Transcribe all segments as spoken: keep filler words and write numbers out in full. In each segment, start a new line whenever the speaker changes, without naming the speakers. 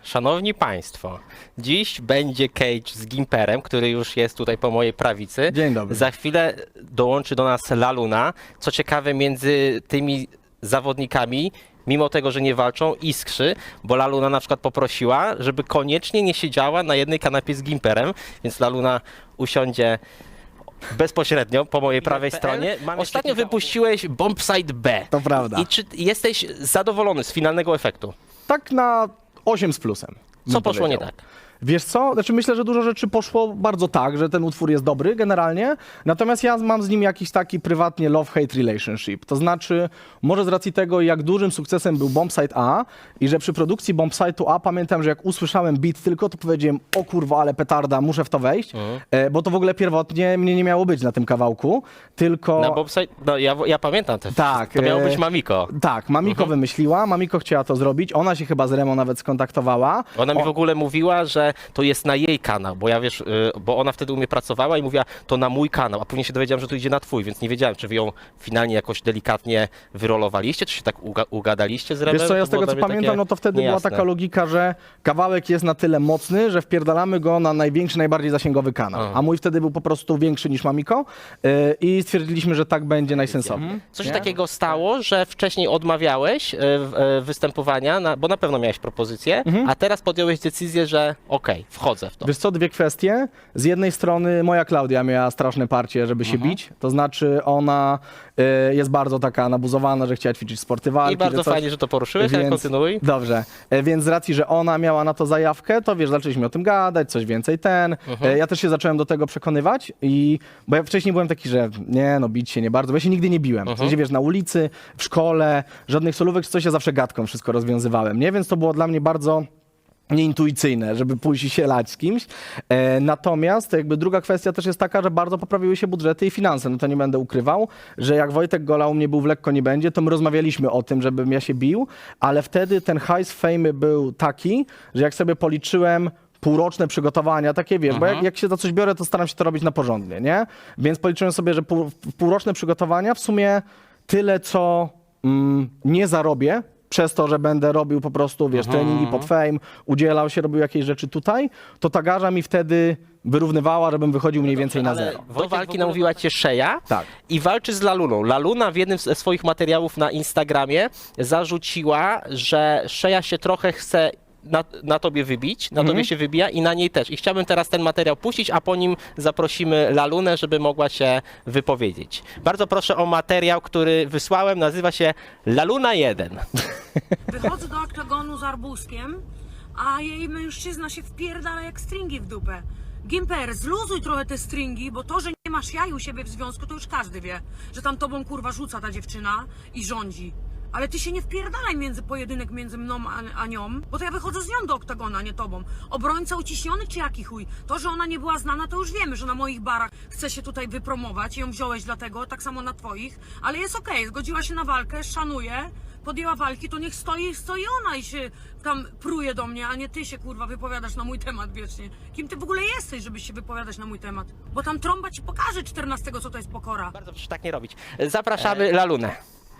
Szanowni Państwo, dziś będzie Cage z Gimperem, który już jest tutaj po mojej prawicy.
Dzień dobry.
Za chwilę dołączy do nas Laluna. Co ciekawe, między tymi zawodnikami, mimo tego, że nie walczą, iskrzy, bo Laluna na przykład poprosiła, żeby koniecznie nie siedziała na jednej kanapie z Gimperem, więc Laluna usiądzie bezpośrednio po mojej prawej stronie. Ostatnio wypuściłeś Bombsite B.
To prawda.
I czy jesteś zadowolony z finalnego efektu?
Tak na osiem z plusem.
Co
bym
poszło nie
powiedział.
tak?
Wiesz co? Znaczy myślę, że dużo rzeczy poszło bardzo tak, że ten utwór jest dobry generalnie, natomiast ja mam z nim jakiś taki prywatnie love-hate relationship. To znaczy, może z racji tego, jak dużym sukcesem był Bombsite A i że przy produkcji Bombsite'u A pamiętam, że jak usłyszałem beat tylko, to powiedziałem, o kurwa, ale petarda, muszę w to wejść,
Mhm.
e, bo to w ogóle pierwotnie mnie nie miało być na tym kawałku, tylko...
Na Bombsite, no ja, ja pamiętam te.
Tak,
To miało
e,
być Mamiko.
Tak, Mamiko
Mhm.
wymyśliła, Mamiko chciała to zrobić, ona się chyba z Remo nawet skontaktowała.
Ona mi
O-
w ogóle mówiła, że to jest na jej kanał, bo ja wiesz, y, bo ona wtedy u mnie pracowała i mówiła, to na mój kanał, a później się dowiedziałem, że to idzie na twój, więc nie wiedziałem, czy wy ją finalnie jakoś delikatnie wyrolowaliście, czy się tak uga ugadaliście z Remem.
Wiesz co, ja
To
z tego
było
co
dla mnie
pamiętam,
takie
no to wtedy była
niejasne.
taka logika, że kawałek jest na tyle mocny, że wpierdalamy go na największy, najbardziej zasięgowy kanał.
Aha.
A mój wtedy był po prostu większy niż Mamiko yy, i stwierdziliśmy, że tak będzie najsensowniej.
Co się
Nie?
takiego stało, że wcześniej odmawiałeś y, y, występowania, na, bo na pewno miałeś propozycję, a teraz podjąłeś decyzję, że okej, wchodzę w to.
Wiesz co, dwie kwestie. Z jednej strony moja Klaudia miała straszne parcie, żeby się
Mhm.
bić. To znaczy ona y, jest bardzo taka nabuzowana, że chciała ćwiczyć sporty walki.
I bardzo
że coś...
fajnie, że to poruszyłeś, ale kontynuuj.
Dobrze, E, więc z racji, że ona miała na to zajawkę, to wiesz, zaczęliśmy o tym gadać, coś więcej ten.
Mhm.
E, Ja też się zacząłem do tego przekonywać i bo ja wcześniej byłem taki, że nie, no bić się nie bardzo, bo ja się nigdy nie biłem. W
Mhm.
sensie, wiesz, na ulicy, w szkole, żadnych solówek czy coś, ja zawsze gadką wszystko rozwiązywałem, nie? Więc to było dla mnie bardzo nieintuicyjne, żeby pójść i się lać z kimś. E, natomiast jakby druga kwestia też jest taka, że bardzo poprawiły się budżety i finanse. No to nie będę ukrywał, że jak Wojtek Gola u mnie był w Lekko Nie Będzie, to my rozmawialiśmy o tym, żebym ja się bił, ale wtedy ten hajs fame był taki, że jak sobie policzyłem półroczne przygotowania, takie wiesz, bo jak, jak się za coś biorę, to staram się to robić na porządnie, nie? Więc policzyłem sobie, że pół, półroczne przygotowania w sumie tyle, co mm, nie zarobię, przez to, że będę robił po prostu, wiesz, treningi pod fame, udzielał się, robił jakieś rzeczy tutaj, to ta garza mi wtedy wyrównywała, żebym wychodził mniej więcej na zero.
Do walki namówiła cię Szeja
Tak.
i walczy z Laluną. Laluna w jednym ze swoich materiałów na Instagramie zarzuciła, że Szeja się trochę chce na, na tobie wybić, na tobie się wybija i na niej też. I chciałbym teraz ten materiał puścić, a po nim zaprosimy Lalunę, żeby mogła się wypowiedzieć. Bardzo proszę o materiał, który wysłałem, nazywa się Laluna jeden.
Wychodzę do oktagonu z arbuzkiem, a jej mężczyzna się wpierdala jak stringi w dupę. Gimper, zluzuj trochę te stringi, bo to, że nie masz jaj u siebie w związku, to już każdy wie, że tam tobą kurwa rzuca ta dziewczyna i rządzi. Ale ty się nie wpierdalaj między pojedynek między mną a, a nią, bo to ja wychodzę z nią do oktagonu, a nie tobą. Obrońca uciśniony czy jaki chuj? To, że ona nie była znana, to już wiemy, że na moich barach chce się tutaj wypromować i ją wziąłeś dlatego, tak samo na twoich, ale jest okej, zgodziła się na walkę, szanuję, podjęła walki, to niech stoi, stoi ona i się tam pruje do mnie, a nie ty się kurwa wypowiadasz na mój temat wiecznie. Kim ty w ogóle jesteś, żebyś się wypowiadać na mój temat? Bo tam trąba ci pokaże czternastego, co to jest pokora.
Bardzo proszę tak nie robić. Zapraszamy Lalunę.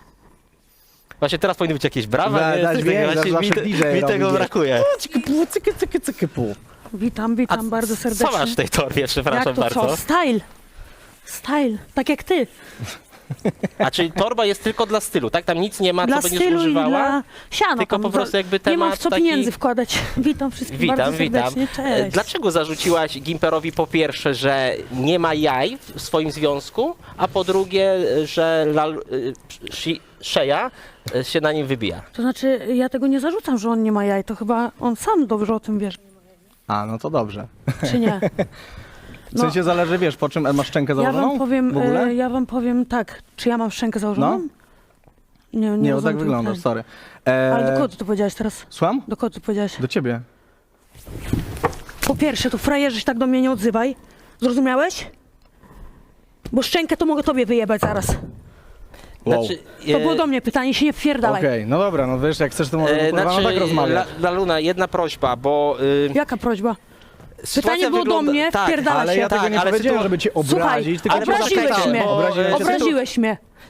Właśnie teraz powinny być jakieś brawa,
Da-
nie?
dać
Coś
więcej,
takiego.
zawsze
Właśnie mi,
D J
mi
robi,
tego
wiesz.
brakuje.
Cyky, pu, cyky, cyky, cyky, pu.
Witam,
A
witam bardzo serdecznie.
co masz w tej torbie, przepraszam
Jak to
bardzo?
co? Style. Style, tak jak ty.
A czyli torba jest tylko dla stylu, tak? Tam nic nie ma,
Dla
co będziesz
stylu i
używała?
dla siana.
Tylko
tam
po prostu
za-
jakby
Nie mam
temat
w co
taki-
pieniędzy wkładać. Witam wszystkich
Witam,
bardzo
witam.
serdecznie.
E,
Cześć.
Dlaczego zarzuciłaś Gimperowi po pierwsze, że nie ma jaj w swoim związku, a po drugie, że Lal, y, Shi- Szeja y, się na nim wybija?
To znaczy, ja tego nie zarzucam, że on nie ma jaj. To chyba on sam dobrze o tym wie,
A, no to dobrze.
czy nie.
W sensie zależy, wiesz, po czym masz szczękę
No. Ja
założoną?
wam powiem,
w ogóle?
e, ja wam powiem tak. Czy ja mam szczękę założoną?
No.
Nie, nie,
Nie, no
rozumiem
tak
tego
wyglądasz,
pytania.
sorry. E,
Ale do kogo ty to powiedziałeś teraz?
Słucham?
Do kogo ty powiedziałeś?
Do ciebie.
Po pierwsze, to frajerze się tak do mnie nie odzywaj. Zrozumiałeś? Bo szczękę to mogę tobie wyjebać zaraz.
Wow.
Znaczy,
To
e,
było do mnie pytanie, się nie wpierdalaj.
Okej, no dobra, no wiesz, jak chcesz, to możemy
e,
kurwa, no tak rozmawiać.
La, Laluna, jedna prośba, bo... Y,
Jaka prośba?
sytuacja
było do
wygląda-
mnie,
tak,
wpierdala
Ale
się.
ja tego
tak,
nie
ale
powiedziałem,
sytu-
żeby cię
Słuchaj,
obrazić, tylko
ale
cię
obraziłeś
zapytałem.
mnie.
Obraziłem cię.
Obraziłeś mnie.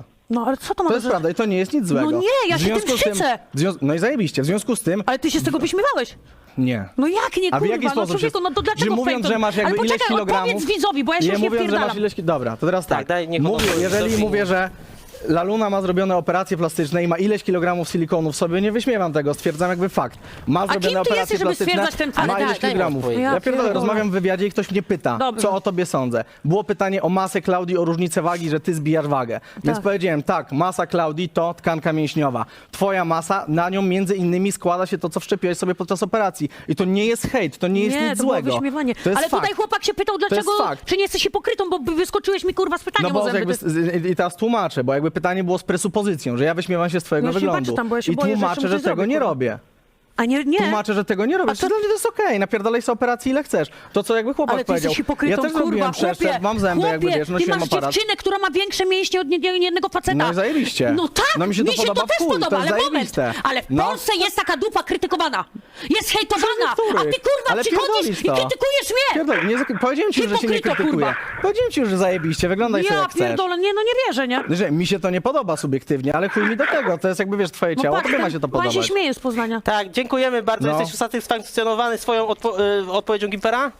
Lalunia.
No ale co to ma
To jest
za-
prawda i to nie jest nic złego.
No nie, ja
W
się tym
związku z tym-
szczycę.
w związ- No i zajebiście, w związku z tym...
Ale ty się z tego wyśmiewałeś.
Nie.
No jak nie,
A w
kurwa,
jaki
no
sposób
człowieku,
się-
no to dlaczego
Że mówiąc,
fake?
że masz jakby
Ale
ileś
poczekaj,
kilogramów...
odpowiedz widzowi, bo ja się
nie
już nie
mówiąc, że
wpierdalam.
masz ileś... ki- Dobra, to teraz
Tak,
tak.
daj, niech on
Mówię,
odpowie.
jeżeli
Dobrze.
mówię, że Laluna ma zrobione operacje plastyczne i ma ileś kilogramów silikonu w sobie, nie wyśmiewam tego, stwierdzam jakby fakt. Ma zrobione
kim ty
operacje
jesteś, żeby
plastyczne,
stwierdzać ten fakt?
ma
Ale
ileś
daj- daj mi
kilogramów.
odpowiedzieć.
Ja
Ja
pierdolę,
pierdolę.
rozmawiam w wywiadzie i ktoś mnie pyta,
Dobrze.
co o tobie sądzę. Było pytanie o masę Klaudii, o różnicę wagi, że ty zbijasz wagę. Więc
Tak.
powiedziałem, tak, masa Klaudii to tkanka mięśniowa. Twoja masa, na nią między innymi składa się to, co wszczepiłeś sobie podczas operacji. I to nie jest hejt, to nie jest
Nie,
nic
to było
złego.
wyśmiewanie.
To jest
Ale
fakt.
tutaj chłopak się pytał, dlaczego,
fakt.
czy nie jesteś hipokrytą, bo wyskoczyłeś mi kurwa z
No
pytaniem o
bo
zęby.
jakby,
To-
z- i teraz tłumaczę, bo jakby pytanie było z presupozycją, że ja wyśmiewam się z twojego
No ja się
wyglądu.
patrzę tam, bo ja się
I
boję, że
tłumaczę,
jeszcze
że
coś
tego
zrobię,
nie
kurwa.
robię.
A nie, nie.
Tłumaczę, że tego nie robię.
A
To...
to-
Dla mnie to jest okej, napierdalaj sobie operacji ile chcesz. To co jakby chłopak
Ale ty
powiedział.
jesteś hipokrytą,
ja też
kurwa,
zrobiłem przeszczep,
chłopie,
mam zęby,
chłopie,
jakby wiesz,
ty
nosiłem
masz
aparat.
dziewczynę, która ma większe mięśnie od nie- nie- jednego faceta.
No i zajebiście.
No tak,
No mi się to podoba w
też
chuj,
podoba,
to jest
ale moment.
zajebiste.
Ale w
No.
Polsce jest taka dupa krytykowana. Jest hejtowana.
Przez
A ty
niektórych.
kurwa
Ale
przychodzisz
pierdolisz
i
to.
krytykujesz mnie.
Pierdol, nie, zak- powiedziałem ci już, że się nie
Hipokryto,
krytykuję.
kurwa.
Powiedziałem ci już, że zajebiście, wyglądaj sobie
Ja
jak chcesz.
pierdolę, nie no nie wierzę, nie?
Że mi się to nie podoba subiektywnie, ale chuj mi do tego. To jest jakby, wiesz, twoje
No
ciało,
patrz,
tobie ma
ten
się to
pan
podobać.
się śmieje z Poznania.
Tak, dziękujemy bardzo.
No.
Jesteś usatysfakcjonowany swoją odpo- y, odpowiedzią Gimpera?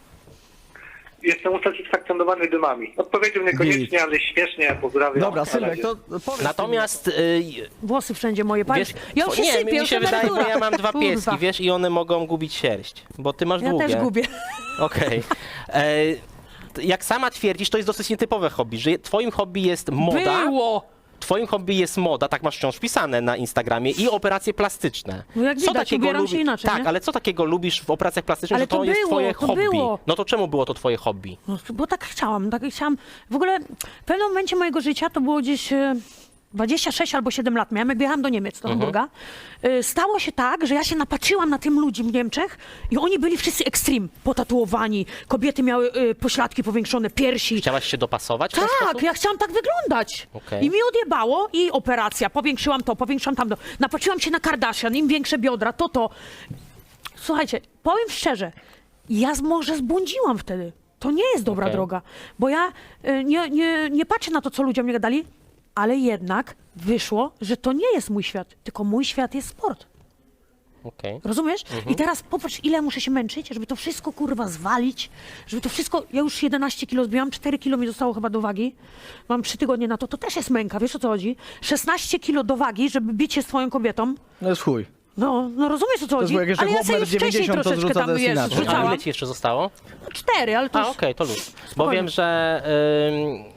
Jestem usatysfakcjonowany dymami. Odpowiedział niekoniecznie, ale śmiesznie, pozdrawiam.
Dobra,
Na
Sylwek,
razie.
to powiedz.
Natomiast y,
Włosy wszędzie moje, patrz.
wiesz,
Ja już się
nie,
sypię,
mi
już
się wydaje, bo
emerytura.
ja mam dwa
Kurwa.
pieski, wiesz, i one mogą gubić sierść, bo ty masz
Ja
długie.
też gubię.
Okej. E, t- Jak sama twierdzisz, to jest dosyć nietypowe hobby, że twoim hobby jest moda.
Było.
Twoim hobby jest moda, tak masz wciąż wpisane na Instagramie, i operacje plastyczne.
No jak widać, ubieram się inaczej,
Tak,
nie?
ale co takiego lubisz w operacjach plastycznych,
Ale
że to,
to
jest
było,
twoje
to
hobby?
było.
No to czemu było to twoje hobby?
No, bo tak chciałam, tak chciałam. W ogóle w pewnym momencie mojego życia, to było gdzieś e, dwadzieścia sześć albo siedem lat miałem, jak jechałam do Niemiec, do Hamburga. E, Stało się tak, że ja się napatrzyłam na tym ludzi w Niemczech i oni byli wszyscy extreme, potatuowani, kobiety miały e, pośladki powiększone, piersi.
Chciałaś się dopasować w ten
Tak,
sposób?
ja chciałam tak wyglądać.
Okej.
I mi odjebało i operacja, powiększyłam to, powiększyłam tamto. Napatrzyłam się na Kardashian, im większe biodra, to to. Słuchajcie, powiem szczerze, ja z- może zbłądziłam wtedy. To nie jest dobra
Okej.
droga, bo ja y, nie, nie, nie patrzę na to, co ludziom nie gadali, ale jednak wyszło, że to nie jest mój świat, tylko mój świat jest sport.
Okej.
Rozumiesz? I teraz popatrz, ile muszę się męczyć, żeby to wszystko kurwa zwalić, żeby to wszystko. Ja już jedenaście kilo zbiłam, cztery kilo mi zostało chyba do wagi. Mam trzy tygodnie na to, to też jest męka, wiesz o co chodzi? szesnaście kilo do wagi, żeby bić się z twoją kobietą.
No jest chuj.
No, no rozumiesz o co
jest
chodzi?
jak jeszcze
Ale ja
chłop
sobie już
metr
wcześniej
dziewięćdziesiąt, to
troszeczkę
zrzuca,
tam
to jest
wiesz,
inaczej.
A
rzucałam.
ile ci jeszcze zostało?
No, cztery, ale to
A,
już...
okej, to luz. Bo
Spokojnie.
wiem, że ym,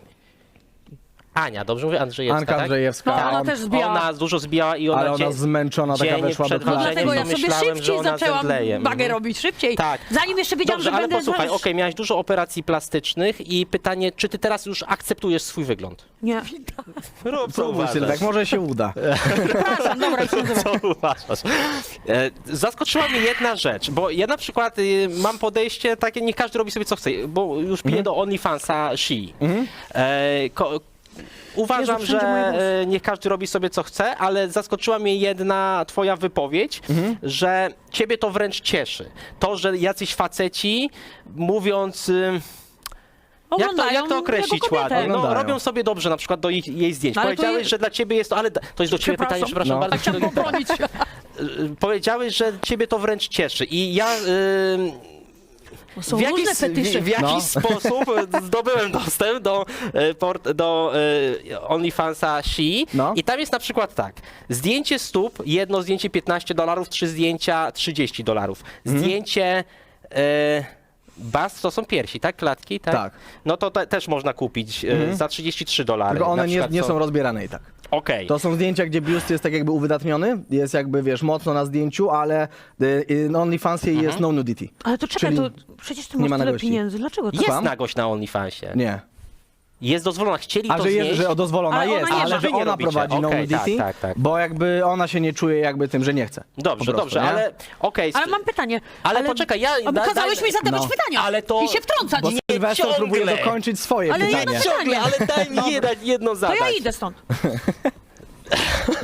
Ania, dobrze mówię? Andrzejewska,
Anka
tak?
Andrzejewska.
No, ona
on-
też zbijała.
Ona dużo zbijała i ona
Ale ona
dzień-
zmęczona taka
dzień
weszła do
przed
No
klatki.
dlatego ja
to
sobie
myślałem, że
szybciej
ona
zaczęłam
zemdleje.
bagę
Mhm.
robić, szybciej.
Tak.
Zanim jeszcze wiedziałam,
Dobrze,
że
ale
będę...
posłuchaj,
wiesz,
okej, miałaś dużo operacji plastycznych i pytanie, czy ty teraz już akceptujesz swój wygląd?
Nie,
Rób, co
Próbuj, Sylwek, może się uda.
przepraszam, dobra, już nie nazywam.
Co uważasz? E, Zaskoczyła mnie jedna rzecz, bo ja na przykład y, mam podejście takie, niech każdy robi sobie co chce, bo już piję do OnlyFansa She. E, ko, Uważam,
Jezu, wszędzie moje
że
włosy.
e, niech każdy robi sobie co chce, ale zaskoczyła mnie jedna twoja wypowiedź, że ciebie to wręcz cieszy. To, że jacyś faceci mówiąc... y, Jak to,
Oglądają
jak to określić
jego kobietę.
ładnie? No,
Oglądają.
robią sobie dobrze na przykład do ich, jej zdjęć.
No, ale to
Powiedziałeś,
jest-
że dla ciebie jest to, ale to jest do ciebie pytanie, przepraszam
No.
bardzo.
Chciałam
do Gimpera.
pobronić.
Y, Powiedziałeś, że ciebie to wręcz cieszy i ja y,
Są
w jakiś,
różne fetysze.
w, w jakiś
No.
sposób zdobyłem dostęp do, y, port, do y, OnlyFansa She
No.
i tam jest na przykład tak, zdjęcie stóp, jedno zdjęcie piętnaście dolarów, trzy zdjęcia trzydzieści dolarów.
Mhm.
Zdjęcie... Y, Bas to są piersi, tak? Klatki, tak?
Tak.
No to te, też można kupić y, za trzydzieści trzy dolary.
Tylko one
Na
nie,
przykład
nie są rozbierane i tak.
Okej.
To są zdjęcia, gdzie biust jest tak jakby uwydatniony, jest jakby, wiesz, mocno na zdjęciu, ale y, y, na OnlyFansie jest no nudity.
Ale to czekaj,
Czyli
to przecież ty
nie
masz
ma
tyle
nagości.
pieniędzy, dlaczego to?
Jest
Słucham?
nagość na OnlyFansie.
Nie.
Jest dozwolona. Chcieli
A
to
że jest,
znieść.
że dozwolona
Ale ona
jest,
nie
ale
ma.
że
Wy nie
ona
robicie.
prowadzi no
Okej,
nudity,
tak, tak, tak.
bo jakby ona się nie czuje jakby tym, że nie chce.
Dobrze,
Po prostu,
dobrze,
nie?
ale okej.
Ale mam pytanie.
Ale poczekaj, ja-
A bo
daj-
kazałeś
daj-
mi zadawać
no.
pytania
Ale to-
i się wtrącać.
Bo
Nie,
Sylwester
ciągle.
próbuje dokończyć swoje
Ale
pytanie.
jedno
Ciągle, ale daj mi jedno, jedno
To
zadać.
ja idę stąd.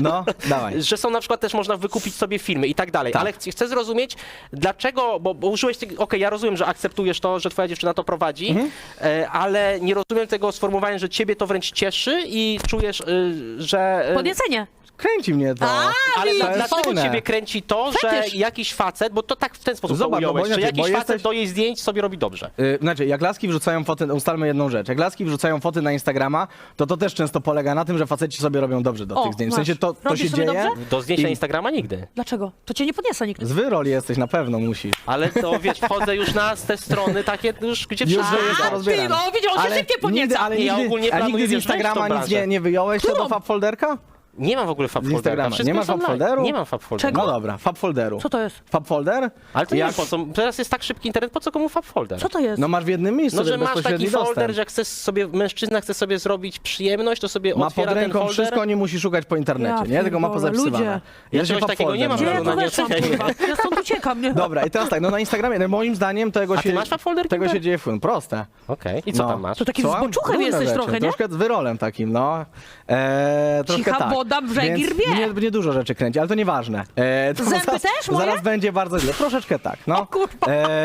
No, dawaj.
że są na przykład też można wykupić sobie filmy i tak dalej,
Tak.
ale chcę, chcę zrozumieć, dlaczego, bo, bo użyłeś tego, okej, ja rozumiem, że akceptujesz to, że twoja dziewczyna to prowadzi,
Mhm.
e, ale nie rozumiem tego sformułowania, że ciebie to wręcz cieszy i czujesz, y, że... y,
Podniecenie.
Kręci mnie to.
ale
to
dla,
jest
dlaczego
fajne.
ciebie kręci to,
Fetysz.
że jakiś facet, bo to tak w ten sposób
Zobacz,
to
no bo
ująłeś, że
inaczej,
jakiś
bo
facet
jesteś-
do jej zdjęć sobie robi dobrze.
Yy, znaczy, jak laski wrzucają foty, ustalmy jedną rzecz, jak laski wrzucają foty na Instagrama, to to też często polega na tym, że faceci sobie robią dobrze do
O,
tych zdjęć. W
masz.
sensie to, to
Robisz
się
sobie
dzieje.
dobrze?
Do zdjęć
I-
na Instagrama nigdy.
Dlaczego? To cię nie podniosę nikt.
Z wyroli jesteś, na pewno musisz.
Ale to wiesz, wchodzę już na te strony takie już, gdzie
Już,
wszyscy
że jest to
A,
rozbierane.
ty, no, widział, on się szybciej podnieca.
nigdy, ale
Nie, ja
nigdy,
ogólnie
a
planuję,
nigdy z
wiesz, wejść w tą
Instagrama nic
branżę.
nie, nie wyjąłeś się
Którą?
do fab folderka?
Nie mam w ogóle fab
Z
folderka.
Instagrama.
Wszystko
Nie masz
jest
fab
online.
folderu?
Nie mam fab folderu.
No dobra, fab folderu.
Co to jest?
Fab folder?
Ale to nie
Jak-
wiem po co. Teraz jest tak szybki internet, po co komu fab folder?
Co to jest?
No masz w jednym miejscu,
No, że
wiesz,
masz taki
bezpośredni
folder,
dostęp.
że jak chcesz sobie, mężczyzna chce sobie zrobić przyjemność, to sobie
Ma
otwiera
pod
ten
ręką
folder.
wszystko, nie musi szukać po internecie,
Ja
nie? Tylko ma
pierdolę,
pozapisywane.
ludzie.
Ja
Jest
czegoś
fab
takiego nie mam,
folder,
Gdzie ja
no,
to
nie
weszłam,
czekaj.
kurwa? Ja stąd uciekam, nie?
Dobra, i teraz tak, no na Instagramie, no moim zdaniem tego
A ty
się...
masz fab folder,
Tego
Gimper?
się dzieje w Proste.
Okej, i co
No.
tam masz?
To takim
Słucham?
zboczuchem
Różne
jesteś
rzeczy,
trochę, nie?
Troszkę z wyrolem takim, no. Eee, troszkę
Cicha
tak.
woda brzegi
Więc
rwie.
Mnie, mnie dużo rzeczy kręci, ale to nieważne. Eee, to
Zęby
zaraz,
też moje?
Zaraz będzie bardzo źle. Troszeczkę tak, no.
O kurwa.
Eee,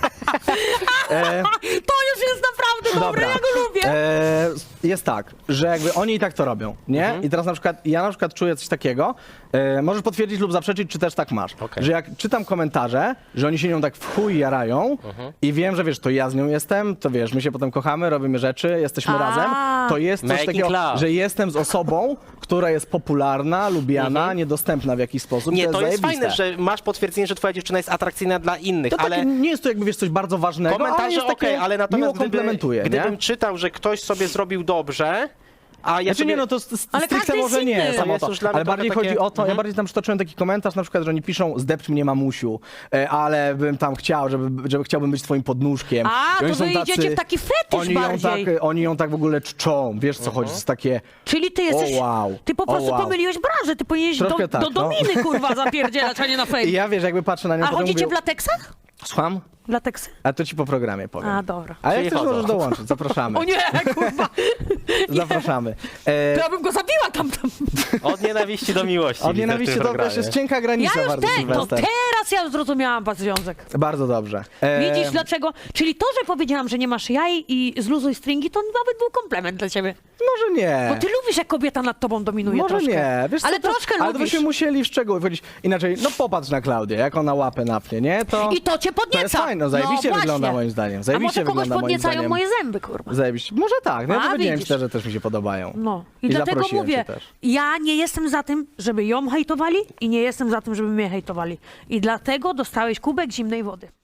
eee,
To już jest naprawdę dobre, ja go lubię.
Eee, jest tak, że jakby oni i tak to robią, nie?
Mhm.
I teraz na przykład, ja na przykład czuję coś takiego, e, możesz potwierdzić lub zaprzeczyć, czy też tak masz,
Okej.
że jak czytam komentarze, że oni się nią tak w chuj jarają
Mhm.
i wiem, że wiesz, to ja z nią jestem, to wiesz, my się potem kochamy, robimy rzeczy, jesteśmy
A.
razem, to jest coś
Making
takiego,
love.
że jestem z osobą, która jest popularna, lubiana, niedostępna w jakiś sposób.
Mhm. Nie, to jest
zajebiste.
fajne, że masz potwierdzenie, że twoja dziewczyna jest atrakcyjna dla innych,
To
ale...
takie, nie jest to jakby, wiesz, coś bardzo ważnego, ale
Komentarze
jest takie
okej, ale
miło
natomiast gdyby,
komplementuje,
gdybym
nie?
czytał, że ktoś sobie zrobił dobrze, a ja
Znaczy
sobie...
nie, no to st-
Ale
stricte
każdy jest
może nie,
inny.
samo
To jest
to.
już dla mnie
Ale
trochę
bardziej
takie-
chodzi o to, ja
Mhm.
bardziej tam przytoczyłem taki komentarz na przykład, że oni piszą zdepcz mnie mamusiu, e, ale bym tam chciał, żeby, żeby chciałbym być twoim podnóżkiem.
A,
I oni
to wy
są
idziecie w taki fetysz
oni ją, tak,
bardziej.
oni ją tak w ogóle czczą, wiesz co chodzi, to jest takie...
Czyli ty jesteś...
O, wow.
Ty po
O,
prostu
wow.
pomyliłeś branżę, ty powinieneś do,
Troszkę tak,
do
no.
dominy, kurwa, zapierdzielać, a nie na
I
fake.
ja wiesz, jakby patrzę na nią,
A
potem
chodzicie
mówię,
w lateksach?
Słucham?
Lateksy?
A to ci po programie powiem.
A, dobra.
A jak
Czyli
chcesz,
chodzą.
możesz dołączyć, zapraszamy.
O nie, kurwa.
Zapraszamy. E,
To ja bym go zabiła tam. tam.
Od nienawiści do miłości.
od
widzę w
nienawiści
tym
to też
programie.
jest cienka
Ja
granica
już
bardzo,
ten, to
Sylwester.
teraz ja zrozumiałam wasz związek.
Bardzo dobrze. E,
Widzisz dlaczego? Czyli to, że powiedziałam, że nie masz jaj i zluzuj stringi, to nawet był komplement dla ciebie.
Może nie.
Bo ty lubisz, jak kobieta nad tobą dominuje
Może
troszkę.
nie, wiesz co,
Ale
to,
troszkę
ale to
lubisz.
byśmy musieli w szczegóły wchodzić. Inaczej, no popatrz na Klaudię, jak ona łapę napnie, nie? To,
I to cię podnieca.
to jest fajne, no, zajebiście
No
wygląda
właśnie.
moim zdaniem.
A
Zajebiście
może kogoś
wygląda moim
podniecają
zdaniem.
moje zęby, kurwa.
Zajebiście. Może tak, no ja
A,
powiedziałem
widzisz.
szczerze, też mi się podobają.
No. I,
I
dlatego
zaprosiłem
mówię,
cię też.
ja nie jestem za tym, żeby ją hejtowali i nie jestem za tym, żeby mnie hejtowali. I dlatego dostałeś kubek zimnej wody.